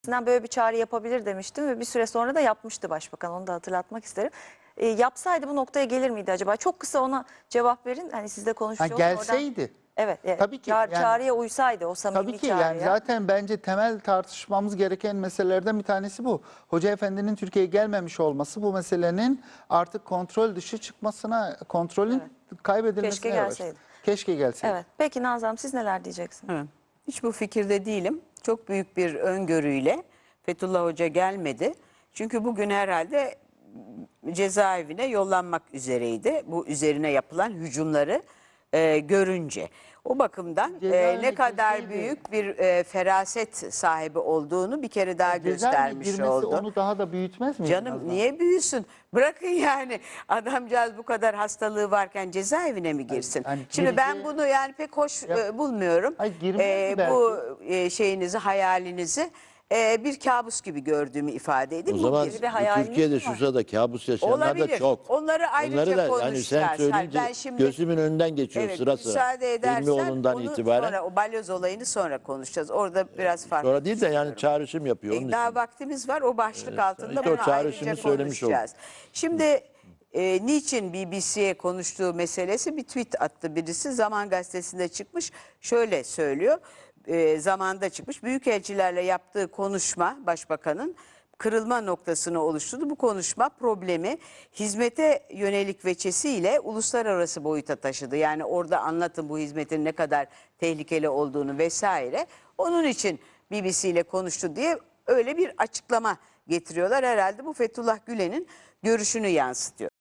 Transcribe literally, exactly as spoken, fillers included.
Böyle bir çağrı yapabilir demiştim ve bir süre sonra da yapmıştı başbakan. Onu da hatırlatmak isterim. E, yapsaydı bu noktaya gelir miydi acaba? Çok kısa ona cevap verin. Hani siz de Ha, konuşmuş olun gelseydi. oradan. Evet, evet. Tabii ki Çağrı, yani, çağrıya uysaydı o samimi tabii ki çağrıya. yani zaten bence temel tartışmamız gereken meselelerden bir tanesi bu. Hoca Efendi'nin Türkiye'ye gelmemiş olması bu meselenin artık kontrol dışı çıkmasına, kontrolün Evet. kaybedilmesine Keşke yol açtı. gelseydi. Keşke gelseydi. Evet. Peki Nazlı Hanım, siz neler diyeceksiniz? Evet. Hiç bu fikirde değilim. Çok büyük bir öngörüyle Fethullah Hoca gelmedi. Çünkü bugün herhalde cezaevine yollanmak üzereydi. Bu üzerine yapılan hücumları e, görünce. O bakımdan e, ne kadar girseydi- büyük bir e, feraset sahibi olduğunu bir kere daha Cezaevine göstermiş girmesi oldu. onu daha da büyütmez mi? Canım niye büyüsün? Bırakın yani adamcağız bu kadar hastalığı varken cezaevine mi girsin? hani Şimdi ben gireceği- bunu yani pek hoş Ya- e, bulmuyorum. Hayır, girmez mi bu e, şeyinizi, hayalinizi e, bir kabus gibi gördüğümü ifade edeyim. O Bu zaman bir- bir hayaliniz Türkiye'de mi şu var? sırada kabus yaşayanlar da olabilir. çok. Onları ayrıca Onları da hani konuşacağız. sen Hayır, söyleyince ben şimdi- gözümün önünden geçiyor Evet, sıra sıra. müsaade edersen İlmioğlu'ndan onu itibaren. sonra o balyoz olayını sonra konuşacağız. Orada biraz farklı. Sonra değil de yani düşünüyorum. çağrışım yapıyor onun E, daha için. vaktimiz var. O başlık altında işte o bunu çağrışımı ayrıca söylemiş konuşacağız. Şimdi e, niçin B B C'ye konuştuğu meselesi bir tweet attı birisi. Zaman Gazetesi'nde çıkmış. Şöyle söylüyor. E, zamanda çıkmış. Büyükelçilerle yaptığı konuşma başbakanın kırılma noktasını oluşturdu. Bu konuşma problemi hizmete yönelik veçesiyle uluslararası boyuta taşıdı. Yani orada anlatın bu hizmetin ne kadar tehlikeli olduğunu vesaire. Onun için B B C ile konuştu diye öyle bir açıklama getiriyorlar. Herhalde bu Fethullah Gülen'in görüşünü yansıtıyor.